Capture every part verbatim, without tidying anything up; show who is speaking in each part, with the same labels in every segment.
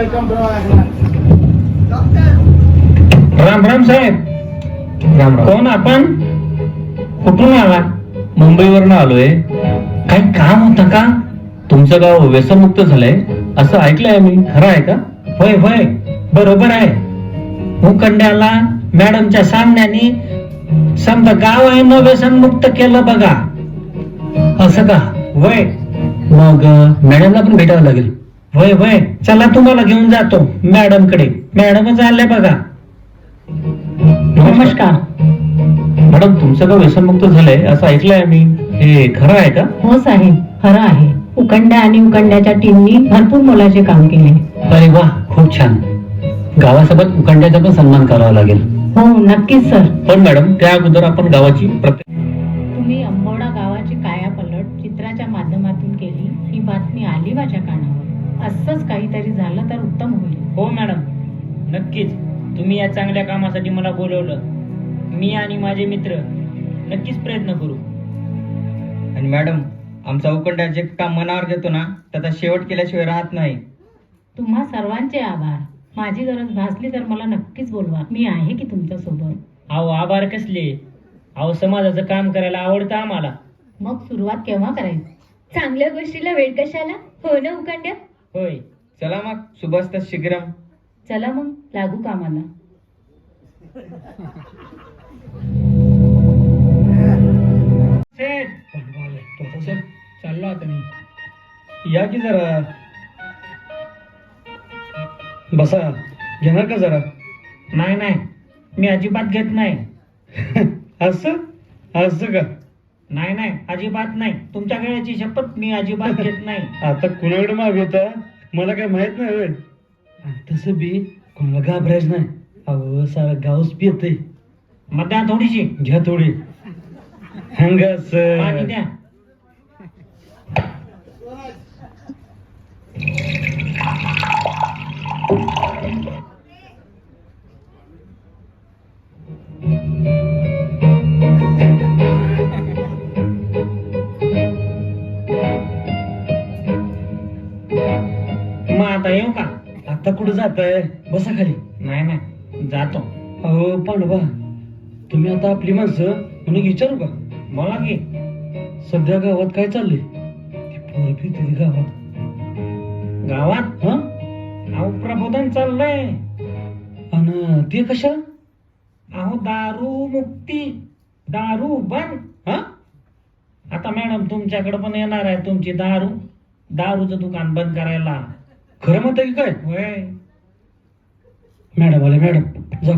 Speaker 1: राम राम साहेब.
Speaker 2: राम राम.
Speaker 1: कोण आपण? कुठून आला?
Speaker 2: मुंबईवरनं आलोय.
Speaker 1: काही काम होतं का?
Speaker 2: तुमचं गाव व्यसनमुक्त झालंय असं ऐकलंय मी, खरं आहे का?
Speaker 1: होय होय, बरोबर आहे. मुकंड्याला मॅडमच्या सांगण्याने समजा गाव आहे न व्यसनमुक्त केलं बघा.
Speaker 2: असं का?
Speaker 1: वय
Speaker 2: मग अं, मॅडमला पण भेटावं लागेल.
Speaker 1: वय वय, चला तुम्हाला घेऊन जातो मॅडम कडे. मॅडमच आले बघा.
Speaker 3: नमस्कार.
Speaker 2: मॅडम, तुमचं गाव व्यसनमुक्त झालंय असं ऐकलंय मी, हे खरं आहे का?
Speaker 3: हो साहेब, खरं आहे. उकंड्या आणि उकंड्याच्या टीमनी भरपूर मोलाचे काम केले.
Speaker 2: अरे वा, खूप छान. गावासोबत उकंड्याचा पण सन्मान करावा लागेल.
Speaker 3: हो नक्कीच सर.
Speaker 2: पण मॅडम, त्या अगोदर आपण गावाची प्रत्येक
Speaker 3: तुम्ही अंबोडा गावाची कायापलट चित्राच्या माध्यमातून केली, ही बातमी आली माझ्या कानावर. असंच काहीतरी झालं तर उत्तम होईल.
Speaker 1: हो मॅडम, नक्कीच. तुम्ही या चांगल्या कामासाठी मला बोलवलं. मी आणि माझे मित्र नक्कीच प्रयत्न करू.
Speaker 4: आणि मॅडम, आमचा उकंड्या जे काम मनावर घेतो ना, त्याचा शेवट केल्याशिवाय राहत नाही.
Speaker 3: तुम्हा सर्वांचे आभार. माझी गरज भासली तर मला नक्कीच बोलवा. मी आहे की तुमच्या सोबत.
Speaker 1: अहो आभार कसले? अहो समाजाचं काम करायला आवडतं आम्हाला.
Speaker 3: मग सुरुवात केव्हा करायची?
Speaker 5: चांगल्या गोष्टीला वेळ कशाला, हो ना उकंड्या?
Speaker 1: होय.
Speaker 4: चला मग, शुभस्त शीघ्रम.
Speaker 3: चला मग लागू कामाला.
Speaker 1: चाललो आता मी.
Speaker 2: या की जरा बसा, घेणार का जरा?
Speaker 1: नाही नाही, मी अजिबात घेत नाही.
Speaker 2: असं असं का?
Speaker 1: नाही नाही, अजिबात नाही. तुमच्या वेळेची शपथ, मी अजिबात घेत नाही.
Speaker 2: आता कुणाकडे मागवता मला काय माहित नाही होय. तसं बी कोणाला घाबरायच नाही. अहो सारा गावच पियतय.
Speaker 1: मग द्या थोडीशी.
Speaker 2: घ्या थोडी. हंगास
Speaker 1: पाणी द्या. मग आता येऊ का?
Speaker 2: आता कुठं जाताय? बसा खाली.
Speaker 1: नाही नाही, जातो.
Speaker 2: अहो पांडवा, तुम्ही आता आपली माणसं म्हणून विचारू का?
Speaker 1: बोला की.
Speaker 2: सध्या गावात काय चाललंय? ती पोरं पिते गावात.
Speaker 1: गावात
Speaker 2: हा?
Speaker 1: अहो प्रबोधन चाललंय.
Speaker 2: आणि ते कशा?
Speaker 1: अहो दारू मुक्ती, दारू बंद.
Speaker 2: हा?
Speaker 1: आता मॅडम तुमच्याकडे पण येणार आहे तुमची दारू दारूचं दुकान बंद करायला.
Speaker 2: खरं म्हणता की काय?
Speaker 1: होय.
Speaker 2: मॅडम आले, मॅडम जा.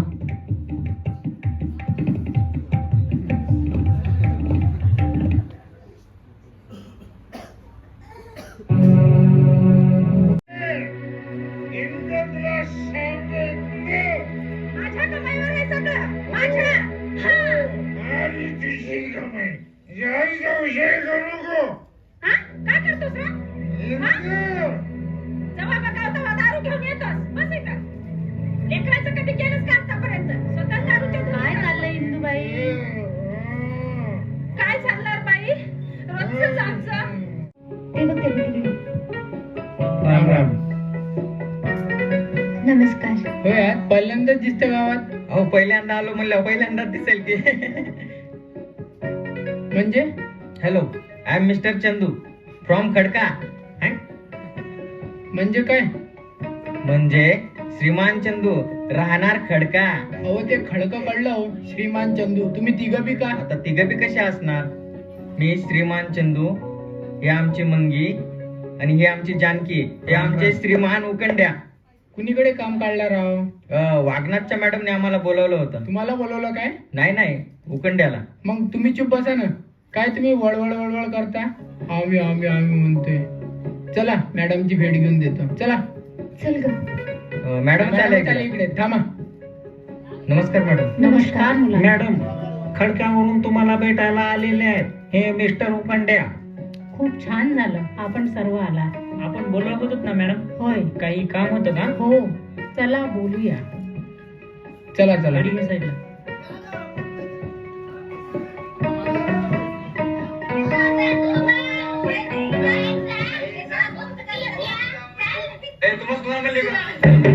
Speaker 5: माझ्या कमाईवर आहे सगळं, माझ्या. हा. हा? काय करतोस रे? हा? जेव्हा बघावं तेव्हा दारू घेऊन येतोस. बस इथं. लेकराचं कधी केलंस का आतापर्यंत? स्वतः दारूच्या काय चाललंय इंदुबाई? काय चालणार बाई? रोजच आमचं.
Speaker 6: ते बघ ते बघ.
Speaker 1: राम राम.
Speaker 6: नमस्कार.
Speaker 1: होय, पहिल्यांदाच दिसतं गावात.
Speaker 4: अहो पहिल्यांदा आलो म्हणलं, पहिल्यांदा दिसेल की.
Speaker 1: म्हणजे?
Speaker 4: Hello, I am mister Chandu from Khadka.
Speaker 1: म्हणजे काय?
Speaker 4: म्हणजे श्रीमान चंदू, राहणार खडका.
Speaker 1: अहो ते खडकं कळलं हो, श्रीमान चंदू. तुम्ही तिघं बी का?
Speaker 4: आता तिघं बी कसे असणार? मी श्रीमान चंदू, हे आमची मंगी आणि हे आमची जानकी, हे आमचे श्रीमान उकंड्या.
Speaker 1: कुणीकडे काम काढला राव?
Speaker 4: अं, वागनाथच्या मॅडमने आम्हाला बोलवलं होतं.
Speaker 1: तुम्हाला बोलवलं काय?
Speaker 4: नाही नाही, उकंड्याला.
Speaker 1: मग तुम्ही चुप बसा ना. काय तुम्ही वळवळ वळवळ करता? आम्ही आम्ही आम्ही म्हणतोय. चला मॅडमची भेट घेऊन देतो. चला.
Speaker 6: चल ग.
Speaker 4: अं, मॅडम
Speaker 1: मॅडम
Speaker 4: चालेल
Speaker 1: चला इकडे. थांबा.
Speaker 4: नमस्कार मॅडम.
Speaker 3: नमस्कार मुलांना.
Speaker 1: मॅडम, खडक्यावरून तुम्हाला भेटायला आलेले आहेत हे मिस्टर उकंड्या.
Speaker 3: खूप छान झालं आपण सर्व आला.
Speaker 1: आपण बोलवत होतो ना मॅडम?
Speaker 3: होय.
Speaker 1: काही काम होतं का?
Speaker 3: हो. चला बोलूया.
Speaker 1: चला चला. साईडला.
Speaker 4: ए तुम्हाला कोणा म्हणले का